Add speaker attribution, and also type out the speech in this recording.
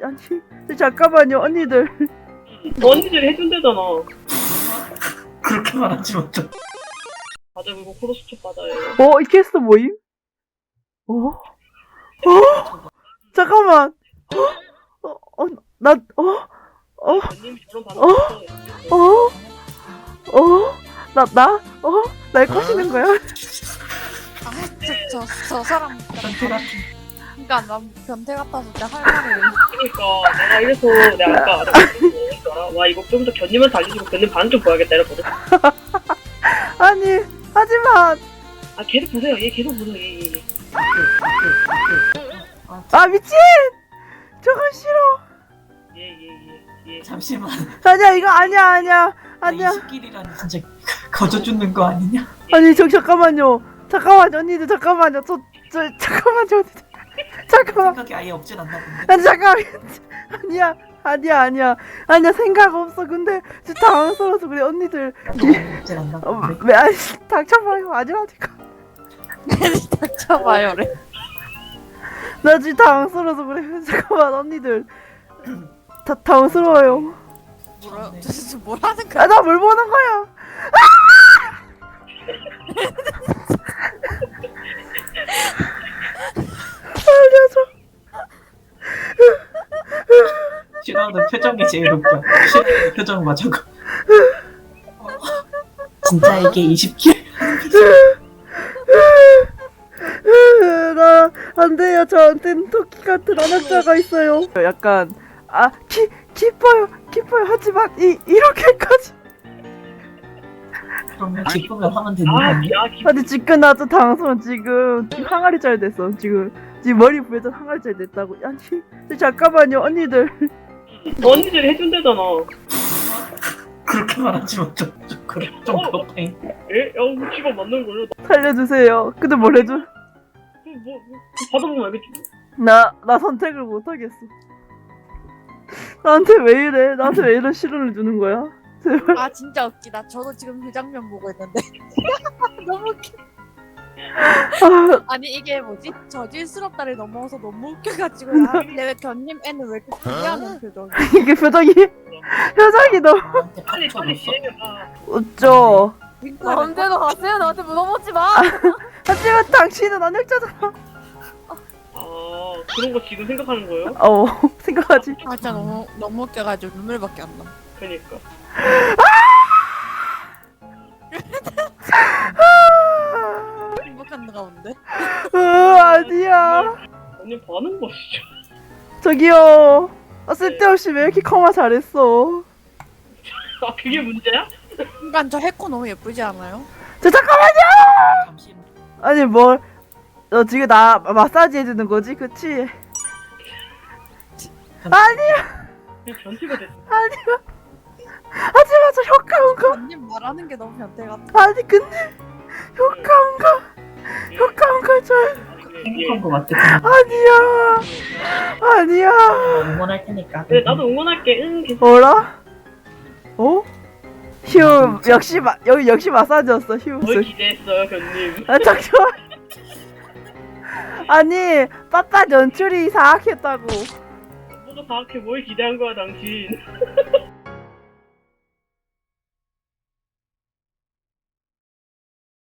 Speaker 1: 아니 잠깐만요 언니들.
Speaker 2: 언니들이 해준대잖아.
Speaker 3: 그렇게 말하지 마. 좀.
Speaker 2: 맞아, 그거 크로스촉 받아요.
Speaker 1: 이 캐스트 뭐임? 잠깐만.
Speaker 2: 언님 저런 반응 없어.
Speaker 1: 날 꼬시는 거야?
Speaker 4: 저 사람
Speaker 3: 변태 같은.
Speaker 4: 그러니까 난 변태 같아서 진짜 할 말을
Speaker 2: 그러니까 내가 이래서 내가 아까 와 이거 좀 더 견님한테 알려주고 견님 반응 좀 보야겠다 이랬거든.
Speaker 1: 아니 하지만
Speaker 2: 아 계속 보세요. 얘 계속 보세요. 얘.
Speaker 1: 아 미친! 저건 싫어.
Speaker 2: 얘.
Speaker 3: 잠시만.
Speaker 1: 아니야 이거 아니야.
Speaker 3: 20길이라니 진짜 거저 죽는 거 아니냐?
Speaker 1: 아니 잠깐만요 언니들 잠깐만요. 잠깐만요 언니들. 잠깐만.
Speaker 3: 생각이 아예 없진 않나 본데.
Speaker 1: 아니 잠깐만. 아니야 생각 없어. 근데 진짜 당황스러워서 그래 언니들.
Speaker 3: 없진 않나
Speaker 1: 왜
Speaker 3: 본데.
Speaker 1: 아니 닥쳐봐요. 아니라니까.
Speaker 4: 닥쳐봐요래.
Speaker 1: 나 지금 당황스러워서 그래. 잠깐만 언니들. 당황스러워요.
Speaker 4: 도대체 뭘 하는 거야?
Speaker 1: 아 나 뭘 보는 거야? 알려줘.
Speaker 3: 싫어하는 표정이 제일 웃겨. 싫어하는 표정 봐 저거. 진짜 이게 20길?
Speaker 1: 나 안 돼요. 저한테는 토끼 같은 언어자가 있어요. 약간 기뻐요. 하지만 이렇게까지.
Speaker 3: 그러면 기쁘면 하면 되는 거 아니야?
Speaker 1: 아니 지금 나 좀 당황스러워. 지금 항아리 잘 됐어. 지금 머리 부에서 항아리 잘 됐다고. 아니 잠깐만요 언니들.
Speaker 2: 언니들이 해준대잖아.
Speaker 3: 그렇게 말하지 마. 좀 그렇다.
Speaker 2: 에? 야, 직업 맞는 거요?
Speaker 1: 살려주세요. 근데 뭘 해줘?
Speaker 2: 뭐 받아보면 알겠지.
Speaker 1: 나 선택을 못하겠어. 나한테 왜 이런 시련을 주는 거야? 제발.
Speaker 4: 아 진짜 웃기다. 저도 지금 그 장면 보고 있는데 너무 웃겨. 아니 이게 뭐지? 저질스럽다를 넘어서 너무 웃겨가지고 근데 왜 견님 애는 왜 이렇게 기대하는 표정이?
Speaker 1: 이게 표정이 너무
Speaker 3: 나한테
Speaker 2: 빨리
Speaker 3: 팍쳐줬어.
Speaker 2: 진행해봐.
Speaker 1: 웃죠.
Speaker 4: 마음대로 가세요. 나한테 물어보지 마.
Speaker 1: 하지만 당신은 언역자잖아.
Speaker 2: 아 그런 거 지금 생각하는 거예요?
Speaker 1: 생각하지.
Speaker 4: 아 진짜 너무 웃겨가지고 눈물밖에 안 나.
Speaker 2: 그니까.
Speaker 4: 행복한 가운데.
Speaker 1: 아니야.
Speaker 2: 언니 반응 봐 진짜.
Speaker 1: 저기요. 쓸데없이 왜 이렇게 커마 잘했어?
Speaker 2: 아 그게 문제야?
Speaker 4: 그러니까 저 해코 너무 예쁘지 않아요?
Speaker 1: 잠깐만요.
Speaker 3: 잠시.
Speaker 1: 아니 너 지금 나 마사지 해주는 거지, 그치? 아니야.
Speaker 2: 그냥 변태가 됐어.
Speaker 1: 아니야. 하지만 저 효과음가.
Speaker 4: 견님 말하는 게 너무 변태 같아.
Speaker 1: 아니 근데 효과음가 저
Speaker 3: 행복한 거 같아.
Speaker 1: 아니야.
Speaker 3: 응원할 테니까.
Speaker 2: 그래 나도 응원할게. 응 계속.
Speaker 1: 뭐라? 휴 여기 역시 마사지였어. 휴.
Speaker 2: 뭘 기대했어요 견님.
Speaker 1: 잠시만. 아니 빠빠 연출이 사악했다고.
Speaker 2: 뭐가 사악해 뭘 기대한 거야 당신.